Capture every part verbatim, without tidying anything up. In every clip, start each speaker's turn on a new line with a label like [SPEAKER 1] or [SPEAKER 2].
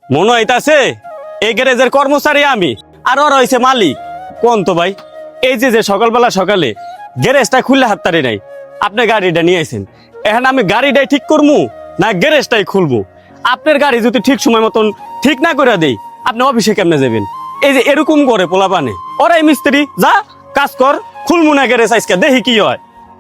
[SPEAKER 1] মনে হইতাছে এই গ্যারেজের কর্মচারী আমি আর ওর হইছে মালিক। কোন তো ভাই, এই যে যে সকালবেলা সকালে গ্যারেজটা খুললে হাততারি নাই, আপনি গাড়িটা নিয়ে আইছেন, এখন আমি গাড়িটাই ঠিক করবো না গ্যারেজটাই খুলবো? আপনার গাড়ি যদি ঠিক সময় মতন ঠিক না করে দেই, আপনি অফিসে কেমনে যাবেন? এই যে এরকম করে পোলাপানে, ওরাই মিস্ত্রি, যা কাজ কর, খুলবো না গ্যারেজ আজকে, দেখি কি হয়।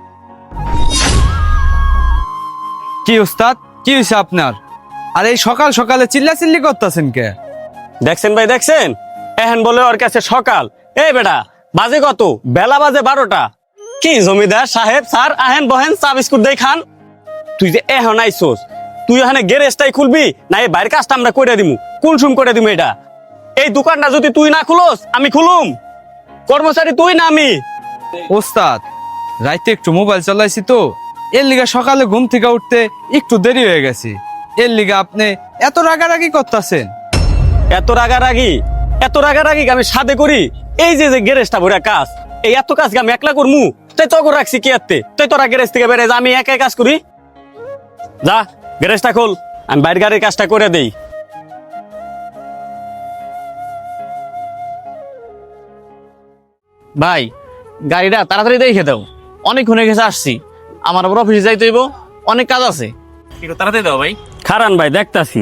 [SPEAKER 2] কি উস্তাদ, কি হয়েছে আপনার? আর এই সকাল সকালে চিল্লা চিল্লি করতেছেন কে?
[SPEAKER 1] দেখছেন ভাই, দেখছেন, এখন বলে ওর কাছে সকাল। এই বেটা, বাজে কত? বেলা বাজে বারোটা। কি জমিদার সাহেব স্যার, আহেন বহেন, চা বিস্কুট দেই খান। তুই যে এখন আইসোস, তুই ওখানে গ্যারেজটাই খুলবি না এই বাইরের কাজটা আমরা করে দিমু, কুলসুম করে দিমু? এটা এই দোকানটা যদি তুই না খুলোস আমি খুলুম? কর্মচারী তুই না আমি?
[SPEAKER 2] ওস্তাদ, রাইতে একটু মোবাইল চালাইছি তো, এর লিগা সকালে ঘুম থেকে উঠতে একটু দেরি হয়ে গেছে। এর লিগা আপনি এত রাগারাগি করতেছেন?
[SPEAKER 1] এত রাগারাগি এত রাগারাগি আমি সাদে করি? এই যে যে গ্যারেজটা ভরে কাজ, এই এত কাজ আমি একলা করমু? তাই তো করে রাখছি কি আত্তে, তাই তোরা গ্যারেজ থেকে বেড়ে যা, আমি একাই কাজ করি? যা গ্যারেজটা খোল, আমি বাইরের গাড়ির কাজটা করে দেই।
[SPEAKER 3] ভাই গাড়িটা তাড়াতাড়ি দেখে দাও, অনেকক্ষণ হয়ে গেছে আসছি, আমার আবার অফিসে যাইতে হইব, অনেক কাজ আছে, একটু তাড়াতাড়ি দাও ভাই।
[SPEAKER 1] খারান ভাই, দেখতাছি।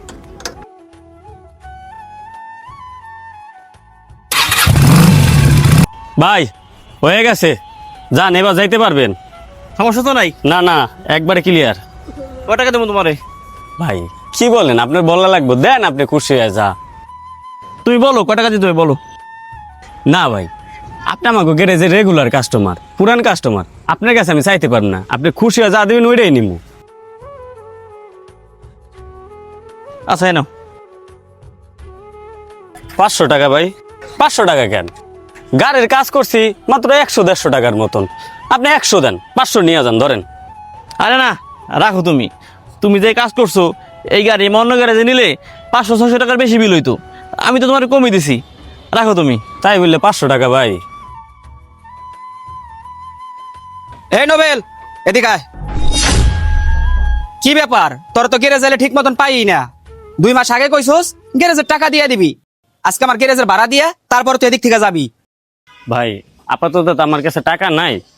[SPEAKER 1] ভাই হয়ে গেছে, যান এবার যাইতে পারবেন।
[SPEAKER 3] সমস্যা তো নাই?
[SPEAKER 1] না না, একবারে ক্লিয়ার।
[SPEAKER 3] কয় টাকা দেবো তোমারে?
[SPEAKER 1] ভাই কি বলেন, আপনার বলা লাগবে, দেন আপনি খুশি হয়ে যা।
[SPEAKER 3] তুমি বলো কয় টাকা দিতে হবে বলো।
[SPEAKER 1] না ভাই, আপনি আমাকে গ্যারেজের রেগুলার কাস্টমার, পুরান কাস্টমার, আপনার কাছে আমি চাইতে পারবো না, আপনি খুশি হয়ে যা দেবেন ওইটাই নিবো।
[SPEAKER 3] আচ্ছা নাও।
[SPEAKER 1] পাঁচশো টাকা ভাই। পাঁচশো টাকা কেন? গাড়ির কাজ করছি মাত্র একশো দেড়শো টাকার মতন, আপনি একশো দেন, পাঁচশো নিয়ে যান, ধরেন।
[SPEAKER 3] আরে না, রাখো তুমি, তুমি যে কাজ করছো এই গাড়ি অন্য গ্যারেজে নিলে পাঁচশো ছশো টাকার বেশি বিল হইতো, আমি তো তোমার কমিয়ে দিছি, রাখো তুমি।
[SPEAKER 1] তাই বললে পাঁচশো টাকা ভাই?
[SPEAKER 4] এই নোবেল, এদিকে আয়। কি ব্যাপার, তোর তো গ্যারেজ এলে ঠিক মতন পাই না। দুই মাস আগে কইছস গ্যারেজের টাকা দিয়ে দিবি, আজকে আমার গ্যারেজের ভাড়া দিয়া তারপর তুই এদিক থেকে যাবি।
[SPEAKER 1] ভাই আপাতত তো আমার কাছে টাকা নাই,